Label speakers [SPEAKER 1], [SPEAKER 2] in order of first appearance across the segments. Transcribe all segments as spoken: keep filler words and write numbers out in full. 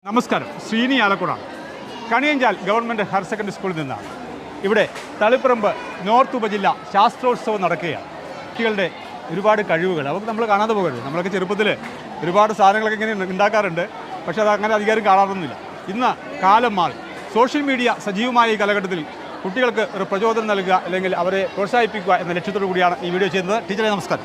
[SPEAKER 1] നമസ്കാരം, ശ്രീനി ആലക്കുടാണ്. Kaniyanchal government higher secondary സ്കൂളിൽ നിന്നാണ്. ഇവിടെ തളിപ്പറമ്പ് നോർത്ത് ഉപജില്ല ശാസ്ത്രോത്സവം നടക്കുകയാണ്. കുട്ടികളുടെ ഒരുപാട് കഴിവുകൾ അവർക്ക് നമ്മൾ കാണാതെ പോകരുത്. നമ്മളൊക്കെ ചെറുപ്പത്തിൽ ഒരുപാട് സാധനങ്ങളൊക്കെ ഇങ്ങനെ ഉണ്ടാക്കാറുണ്ട്, പക്ഷേ അത് അങ്ങനെ അധികാരം കാണാറൊന്നുമില്ല. ഇന്ന് കാലം മാറി. സോഷ്യൽ മീഡിയ സജീവമായ ഈ കാലഘട്ടത്തിൽ കുട്ടികൾക്ക് ഒരു പ്രചോദനം നൽകുക അല്ലെങ്കിൽ അവരെ പ്രോത്സാഹിപ്പിക്കുക എന്ന ലക്ഷ്യത്തോടു കൂടിയാണ് ഈ വീഡിയോ ചെയ്യുന്നത്. ടീച്ചറെ നമസ്കാരം.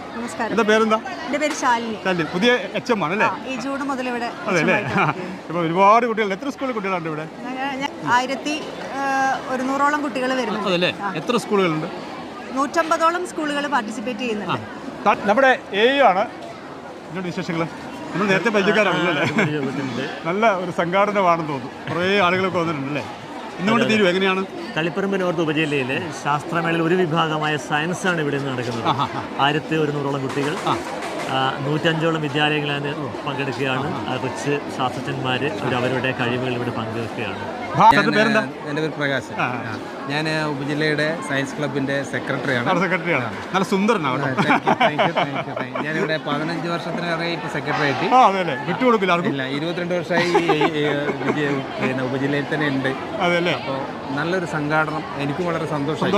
[SPEAKER 2] ആയിരത്തി ഒരുന്നൂറോളം കുട്ടികൾ വരുന്നുണ്ട്.
[SPEAKER 1] അതല്ലേ? എത്ര സ്കൂളുകളുണ്ട്?
[SPEAKER 2] നൂറ്റമ്പതോളം സ്കൂളുകൾ പാർട്ടിസിപ്പേറ്റ് ചെയ്യുന്നുണ്ട്.
[SPEAKER 1] നമ്മുടെ എ ആണ്. എന്നോട് വിശേഷങ്ങൾ നമ്മൾ നേരത്തെ പരിചയക്കാരാണല്ലേ? നല്ല ഒരു സംഘാടനമാണെന്ന് തോന്നുന്നു. കുറേ ആളുകളൊക്കെ വന്നിട്ടുണ്ടല്ലേ? ഇന്നുകൊണ്ട് തീരും എങ്ങനെയാണ്?
[SPEAKER 3] തളിപ്പറമ്പ് നോർത്ത് ഉപജില്ലയിലെ ശാസ്ത്രമേളയിൽ ഒരു വിഭാഗമായ സയൻസാണ് ഇവിടെ നിന്ന് നടക്കുന്നത്. ആയിരത്തി ഒരുന്നൂറോളം കുട്ടികൾ, നൂറ്റഞ്ചോളം വിദ്യാലയങ്ങളിൽ പങ്കെടുക്കുകയാണ്. കൊച്ച് ശാസ്ത്രജ്ഞന്മാർ അവർ അവരുടെ കഴിവുകൾ ഇവിടെ പങ്കുവെക്കുകയാണ്.
[SPEAKER 4] എൻ്റെ പേര് പ്രകാശ്. ഞാൻ ഉപജില്ലയുടെ സയൻസ് ക്ലബിൻ്റെ സെക്രട്ടറിയാണ്.
[SPEAKER 1] സെക്രട്ടറിയാണ്. നല്ല സുന്ദരനാണ്.
[SPEAKER 4] ഞാനിവിടെ പതിനഞ്ച് വർഷത്തിനേറെ ഇപ്പോൾ സെക്രട്ടറി ആയിട്ട് ഇല്ല ഇരുപത്തിരണ്ട് വർഷമായി ഉപജില്ലയിൽ തന്നെ ഉണ്ട്. അപ്പോൾ നല്ലൊരു സംഘാടനം, എനിക്കും വളരെ സന്തോഷം.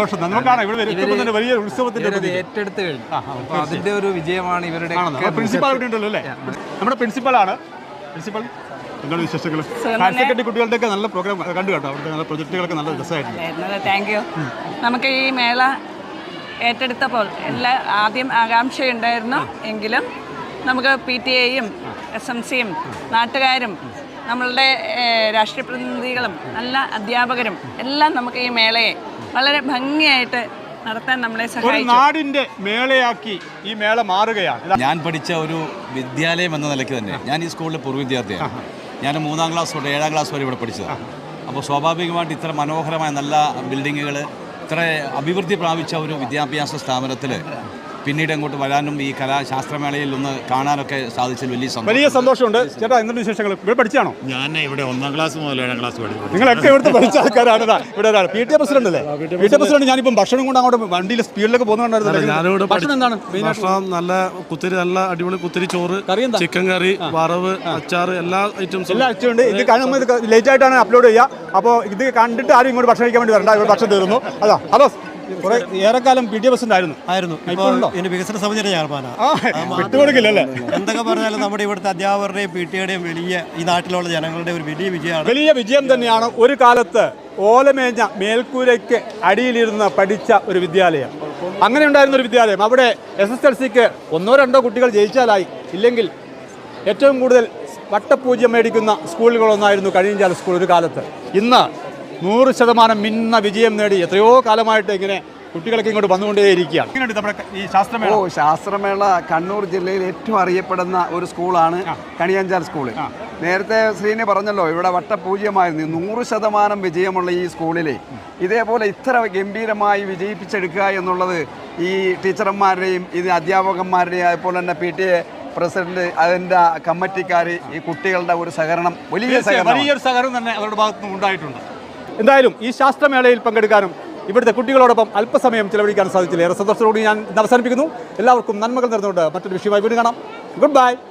[SPEAKER 4] ഇവരത് ഏറ്റെടുത്ത് കഴിഞ്ഞു. അപ്പോൾ അതിൻ്റെ ഒരു വിജയമാണ് ഇവരുടെ.
[SPEAKER 1] പ്രിൻസിപ്പാൾ ഉണ്ടല്ലോ അല്ലേ? നമ്മുടെ പ്രിൻസിപ്പളാണ്. പ്രിൻസിപ്പൽ എന്താണ് വിശേഷങ്ങൾ? ഹയർ സെക്കൻഡറി കുട്ടികളുടെയൊക്കെ നല്ല പ്രോഗ്രാം കണ്ടു കേട്ടോ. അവിടുത്തെ നല്ല പ്രൊജക്റ്റുകളൊക്കെ നല്ല രസമായിട്ടുണ്ട്.
[SPEAKER 5] Thank you. നമുക്ക് ഈ മേള ഏറ്റെടുത്തപ്പോൾ എല്ലാ ആദ്യം ആകാംക്ഷയുണ്ടായിരുന്നു, എങ്കിലും നമുക്ക് പി ടി എയും എസ് എം സിയും നാട്ടുകാരും നമ്മളുടെ രാഷ്ട്രീയ പ്രതിനിധികളും നല്ല അധ്യാപകരും എല്ലാം നമുക്ക് ഈ മേളയെ വളരെ ഭംഗിയായിട്ട് നടത്താൻ നമ്മളെ സഹായിച്ചു.
[SPEAKER 1] നാടിന്റെ മേളയാക്കി ഈ മേള മാറുകയാണ്.
[SPEAKER 6] ഞാൻ പഠിച്ച ഒരു വിദ്യാലയം എന്ന നിലയ്ക്ക് തന്നെ ഞാൻ ഈ സ്കൂളിലെ പൂർവ്വ വിദ്യാർത്ഥിയാണ്. ഞാൻ മൂന്നാം ക്ലാസ് തൊട്ട് ഏഴാം ക്ലാസ് വരെ ഇവിടെ പഠിച്ചതാണ്. അപ്പോൾ സ്വാഭാവികമായിട്ട് ഇത്ര മനോഹരമായ നല്ല ബിൽഡിങ്ങുകൾ, ഇത്ര അഭിവൃദ്ധി പ്രാപിച്ച ഒരു വിദ്യാഭ്യാസ സ്ഥാപനത്തിൽ പിന്നീട് അങ്ങോട്ട് വരാനും ഈ കലാശാസ്ത്രമേളയിൽ ഒന്ന് കാണാനൊക്കെ സാധിച്ചതിൽ വലിയ
[SPEAKER 1] വലിയ സന്തോഷമുണ്ട്. ചേട്ടാ, എന്തൊരു വിശേഷങ്ങൾ? ഇവിടെ പഠിച്ചാണോ?
[SPEAKER 7] ഞാൻ ഇവിടെ ഒന്നാം ക്ലാസ് മുതൽ ഏഴാം ക്ലാസ് പഠിച്ചു.
[SPEAKER 1] നിങ്ങളൊക്കെ ഇവിടുത്തെ പഠിച്ച ആൾക്കാരാണ്. ഇവിടെ ഒരാൾ പി ടി എ പ്രസിഡന്റ് അല്ലേ? P T A president. ഞാനിപ്പം ഭക്ഷണം കൊണ്ട് അങ്ങോട്ട് വണ്ടിയിൽ സ്പീഡിലൊക്കെ പോകുന്നുണ്ടായിരുന്നു. ഭക്ഷണം എന്താണ്?
[SPEAKER 7] ഭക്ഷണം നല്ല കുത്തിരി, നല്ല അടിപൊളി കുത്തിരി ചോറ്, ചിക്കൻ കറി, വറവ്, അച്ചാറ്, എല്ലാ ഐറ്റംസും
[SPEAKER 1] എല്ലാ ഐറ്റം ഉണ്ട്. ഇത് കാണുമ്പോൾ ഇത് ലേറ്റ് ആയിട്ടാണ് അപ്ലോഡ് ചെയ്യുക. അപ്പോൾ ഇത് കണ്ടിട്ട് ആരും ഇങ്ങോട്ട് ഭക്ഷണം കഴിക്കാൻ വേണ്ടി വരണ്ട. ഇവിടെ ഭക്ഷണം തീർന്നു. അതാ. ഹലോ, കുറെ ഏറെക്കാലം പി ടി എ പ്രസിഡന്റ് ആയിരുന്നു.
[SPEAKER 8] ആയിരുന്നു ഇതിന്റെ വികസന സമിതിയുടെ ചെയർമാനാണ്.
[SPEAKER 1] വിട്ടുകൊടുക്കില്ലല്ലേ?
[SPEAKER 8] എന്തൊക്കെ പറഞ്ഞാലും നമ്മുടെ ഇവിടുത്തെ അധ്യാപകരുടെയും പി ടി എയുടെയും വലിയ, ഈ നാട്ടിലുള്ള ജനങ്ങളുടെ ഒരു വലിയ വിജയമാണ്.
[SPEAKER 1] വലിയ വിജയം തന്നെയാണ്. ഒരു കാലത്ത് ഓലമേഞ്ഞ മേൽക്കൂരയ്ക്ക് അടിയിലിരുന്ന് പഠിച്ച ഒരു വിദ്യാലയം, അങ്ങനെ ഉണ്ടായിരുന്ന ഒരു വിദ്യാലയം. അവിടെ എസ് എസ് എൽ സിക്ക് ഒന്നോ രണ്ടോ കുട്ടികൾ ജയിച്ചാലായി, ഇല്ലെങ്കിൽ ഏറ്റവും കൂടുതൽ വട്ടപൂജ്യം മേടിക്കുന്ന സ്കൂളുകളൊന്നായിരുന്നു കണിയഞ്ചാൽ സ്കൂൾ ഒരു കാലത്ത്. ഇന്ന് നൂറ് ശതമാനം മിന്ന വിജയം നേടി എത്രയോ കാലമായിട്ട് ഇങ്ങനെ കുട്ടികളൊക്കെ ഇങ്ങോട്ട് വന്നുകൊണ്ടേയിരിക്കുകയാണ്. നമ്മുടെ ഈ ശാസ്ത്രമേള.
[SPEAKER 9] ഓ ശാസ്ത്രമേള കണ്ണൂർ ജില്ലയിൽ ഏറ്റവും അറിയപ്പെടുന്ന ഒരു സ്കൂളാണ് കണിയഞ്ചാൽ സ്കൂള്. നേരത്തെ ശ്രീനി പറഞ്ഞല്ലോ, ഇവിടെ വട്ടപൂജ്യമായിരുന്നു. നൂറ് ശതമാനം വിജയമുള്ള ഈ സ്കൂളിൽ ഇതേപോലെ ഇത്ര ഗംഭീരമായി വിജയിപ്പിച്ചെടുക്കുക എന്നുള്ളത് ഈ ടീച്ചർമാരുടെയും ഇത് അധ്യാപകന്മാരുടെയും അതുപോലെ തന്നെ പി ടി എ പ്രസിഡന്റ്, അതിൻ്റെ കമ്മിറ്റിക്കാർ, ഈ കുട്ടികളുടെ ഒരു സഹകരണം, വലിയ
[SPEAKER 1] വലിയൊരു സഹകരണം തന്നെ അവരുടെ ഭാഗത്തു നിന്ന് ഉണ്ടായിട്ടുണ്ട്. എന്തായാലും ഈ ശാസ്ത്രമേളയിൽ പങ്കെടുക്കാനും ഇവിടുത്തെ കുട്ടികളോടൊപ്പം അല്പസമയം ചിലവഴിക്കാൻ സാധിച്ചില്ല. ഏറെ സന്തോഷത്തോടുകൂടി ഞാൻ അവസാനിപ്പിക്കുന്നു. എല്ലാവർക്കും നന്മകൾ നേർന്നുകൊണ്ട് മറ്റൊരു വിഷയമായി വീണ്ടും കാണാം. Good by.